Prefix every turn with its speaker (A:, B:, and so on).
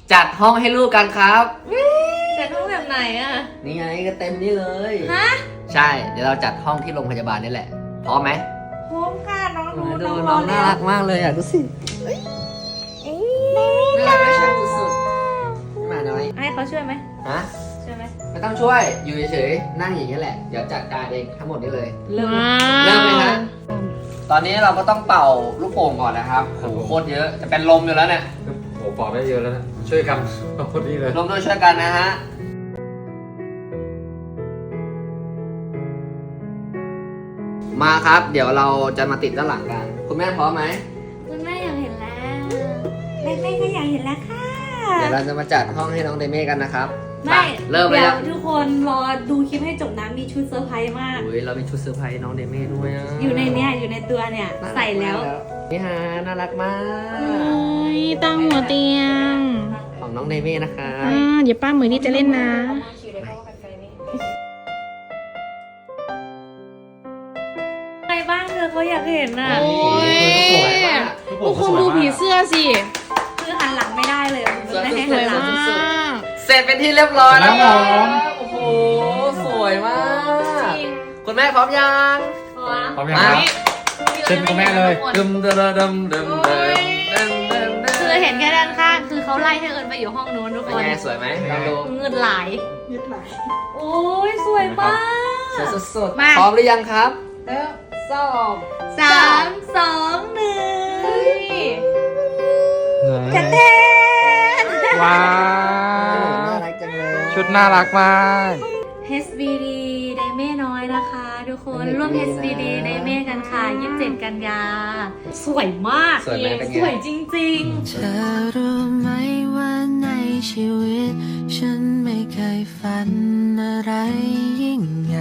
A: จัดห้องให้ลูกกันครับ
B: จัดห้องแบบไหนอะ
A: นี่ไงก็เต็มนี่เลย
B: ฮะ
A: ใช่ เดี๋ยวเราจัดห้องที่โรงพยาบาลนี่แหละพร้อมไหม
B: โฮมค่ะน้อง
A: ดู
B: น้อง
A: น้อง
B: แล้
A: น่าวรักมากเลยอ่ะดูสิน่ารักไม่ใช่สุดๆหมาน้อย
B: ให้เขาช่วยไหม
A: ฮะ
B: ช่วยไหม
A: ไม่ต้องช่วยอยู่เฉยๆนั่งอย่างนี้แหละเดี๋ยวจัดการเองทั้งหมดนี้เลย
B: เริ่ม
A: เริ่มเลยฮะตอนนี้เราก็ต้องเป่าลูกโป่งก่อนนะครับโหโคตรเยอะจะเป็นลมอยู่แล้วเนี่ย
C: โอ้บอกได้เยอะแล้วนะ ช่วยกันพอดีเลย
A: ร่วมด้วยช่วยกันนะฮะ มาครับ เดี๋ยวเราจะมาติดด้านหลังกัน คุณแม่พร้อมไหม
B: คุณแม่อยากเห็นแล้วแม่ก็อยากเห็นแล้วค่ะ
A: เดี๋ยวเราจะมาจัดห้องให้น้องเดเม่กันนะครับ
B: ไม่
A: เริ่มเลย
B: เดี๋ย
A: คว รับ
B: ทุกคนรอดูคลิปให้จบนะมีชุดเซอร์ไพรส์มาก
A: อุ้ยเรามีชุดเซอร์ไพรส์น้องเดเม่ด้วยอะ
B: อยู่ในเนี้ยอยู่ในตัวเนี่ยใส่แล้ว
A: นี่ฮะน่ารักมาก
D: โอ้ยตั้งหัวเตียง
A: ของน้องเดเม่นะคะ
D: เดี๋ยวป้าเหมยนี่จะเล่นนะ
B: ใครบ้างเธอเขาอยากเห็นน่ะ
D: โอ้ย
A: สวยมาก
D: พวกคุณดูผีเสื้อสิ
B: คือหันหลังไม่ได้เลยคุณไม่ให้
D: ส
B: หั
D: วน ย
B: หลัง
D: มาก
A: เสร็จเป็นที่เรียบร้อยแล้ว
C: เสร็จแล้วผม
A: โอ้โหสวยมาก คุณแม่พร้อมยัง
C: พร้อมยังครับ เชิญคุณแม่เลย
A: ดึมเดิมเดิมเดิมเดิมเดิมเดิมเดิม
B: คือเห็นแค่ด้านข้างคือเขาไล่ให้เอิญไปอยู่ห้องนู้นทุก
A: เป็
B: คน น
A: ไงสวยไหมลองดู
B: เงินไหลโอ้ยสวยมาก
A: สวยสุด
B: มา
A: ๆพร้อมหรือยังครับ
B: สามสองหนึ่งแทนแทน
C: ว้า
A: น่าว รักจังเลย
C: ชุดน่ารักมาก
B: HBD ไดเม่น้อยนะคะทุกคนร่วม HBD ไดเม่กันค่ะ27 กันยา สวยมาก
A: สวยไหมเป็นไง
B: สวยจริง
E: เธอรู้ไหมว่าในชีวิต ฉันไม่เคยฝันอะไรยิ่งใหญ่